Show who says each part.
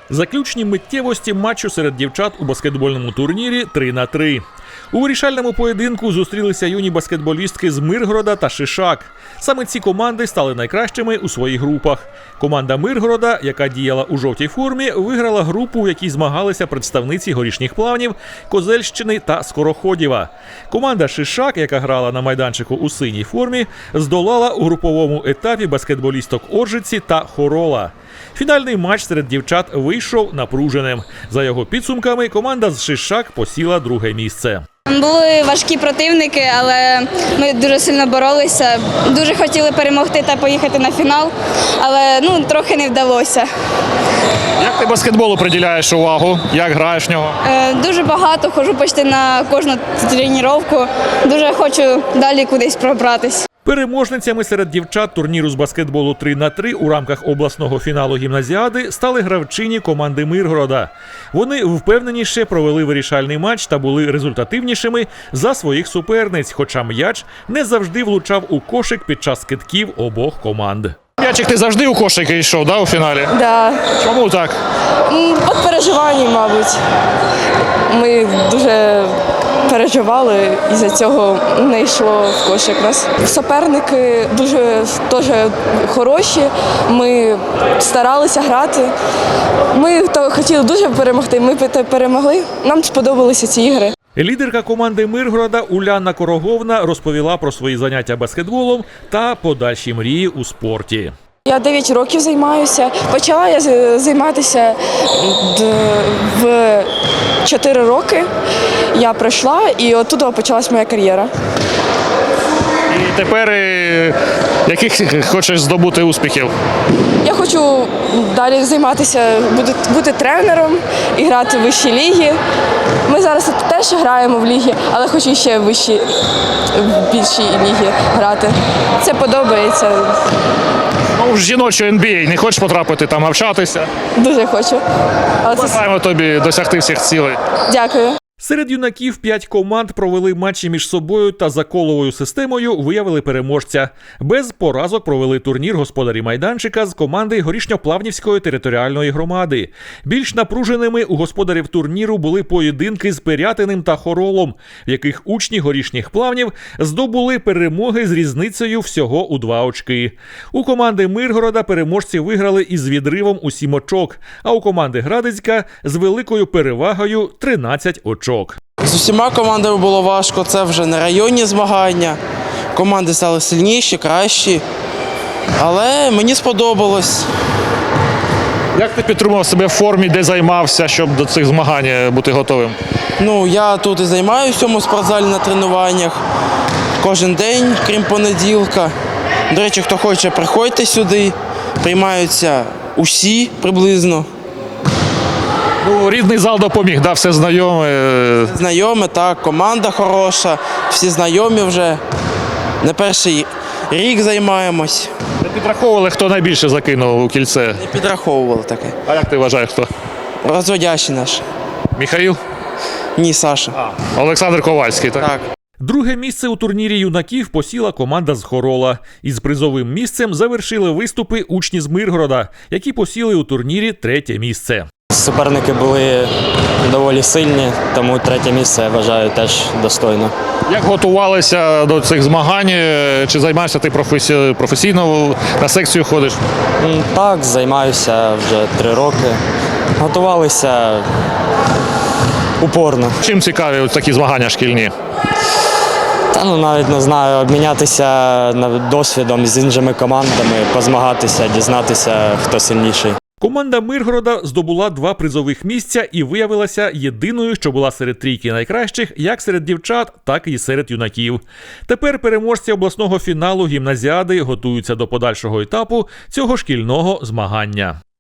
Speaker 1: Заключні миттєвості матчу серед дівчат у баскетбольному турнірі 3-3. У вирішальному поєдинку зустрілися юні баскетболістки з Миргорода та Шишак. Саме ці команди стали найкращими у своїх групах. Команда Миргорода, яка діяла у жовтій формі, виграла групу, в якій змагалися представниці Горішніх Плавнів, Козельщини та Скороходєва. Команда Шишак, яка грала на майданчику у синій формі, здолала у груповому етапі баскетболісток Оржиці та Хорола. Фінальний матч серед дівчат вийшов напруженим. За його підсумками, команда з Шишак посіла друге місце.
Speaker 2: Були важкі противники, але ми дуже сильно боролися. Дуже хотіли перемогти та поїхати на фінал, але трохи не вдалося.
Speaker 3: Як ти баскетболу приділяєш увагу? Як граєш в нього?
Speaker 2: Дуже багато, ходжу почти на кожну тренування. Дуже хочу далі кудись пробратись.
Speaker 1: Переможницями серед дівчат турніру з баскетболу 3-3 у рамках обласного фіналу гімназіади стали гравчині команди Миргорода. Вони впевненіше провели вирішальний матч та були результативнішими за своїх суперниць, хоча м'яч не завжди влучав у кошик під час кидків обох команд.
Speaker 3: М'ячик ти завжди у кошики йшов, у фіналі?
Speaker 4: Да.
Speaker 3: Чому так?
Speaker 4: От переживання, мабуть. Ми дуже переживали, і за цього не йшло в кошик нас. Суперники дуже теж хороші, ми старалися грати. Ми хотіли дуже перемогти, ми перемогли, нам сподобалися ці ігри.
Speaker 1: Лідерка команди Миргорода Уляна Короговна розповіла про свої заняття баскетболом та подальші мрії у спорті.
Speaker 4: Я 9 років займаюся. Почала я займатися в 4 роки. Я пройшла і оттуда почалась моя кар'єра.
Speaker 3: І тепер яких хочеш здобути успіхів?
Speaker 4: Я хочу далі займатися, бути тренером і грати в вищій лігі. Ми зараз теж граємо в лігі, але хочу ще в більшій лігі грати. Це подобається.
Speaker 3: В жіночу NBA не хочеш потрапити там навчатися?
Speaker 4: Дуже хочу.
Speaker 3: Бажаємо тобі досягти всіх цілей.
Speaker 4: Дякую.
Speaker 1: Серед юнаків 5 команд провели матчі між собою та за коловою системою виявили переможця. Без поразок провели турнір господарі майданчика з команди Горішньоплавнівської територіальної громади. Більш напруженими у господарів турніру були поєдинки з Пирятиним та Хоролом, в яких учні Горішніх Плавнів здобули перемоги з різницею всього у 2 очки. У команди Миргорода переможці виграли із відривом у 7 очок, а у команди Градицька з великою перевагою 13 очок.
Speaker 5: З усіма командами було важко, це вже не районні змагання. Команди стали сильніші, кращі, але мені сподобалось.
Speaker 3: Як ти підтримував себе в формі, де займався, щоб до цих змагань бути готовим?
Speaker 5: Я тут і займаюся в цьому спортзалі на тренуваннях кожен день, крім понеділка. До речі, хто хоче, приходьте сюди, приймаються усі приблизно.
Speaker 3: Рідний зал допоміг, все знайоме?
Speaker 5: Знайоме, так, команда хороша, всі знайомі вже. Не перший рік займаємось.
Speaker 3: Не підраховували, хто найбільше закинув у кільце?
Speaker 5: Не підраховували таке.
Speaker 3: А як ти вважаєш, хто?
Speaker 5: Розводящий наш.
Speaker 3: Михаїл?
Speaker 5: Ні, Саша.
Speaker 3: Олександр Ковальський, так?
Speaker 5: Так.
Speaker 1: Друге місце у турнірі юнаків посіла команда з Хорола. Із призовим місцем завершили виступи учні з Миргорода, які посіли у турнірі 3-те місце.
Speaker 6: Суперники були доволі сильні, тому 3-те місце, я вважаю, теж достойно.
Speaker 3: Як готувалися до цих змагань? Чи займаєшся ти професійно, на секцію ходиш?
Speaker 6: Так, займаюся вже 3 роки. Готувалися упорно.
Speaker 3: Чим цікаві такі змагання шкільні?
Speaker 6: Навіть не знаю, обмінятися досвідом з іншими командами, позмагатися, дізнатися, хто сильніший.
Speaker 1: Команда Миргорода здобула 2 призових місця і виявилася єдиною, що була серед трійки найкращих як серед дівчат, так і серед юнаків. Тепер переможці обласного фіналу гімназіади готуються до подальшого етапу цього шкільного змагання.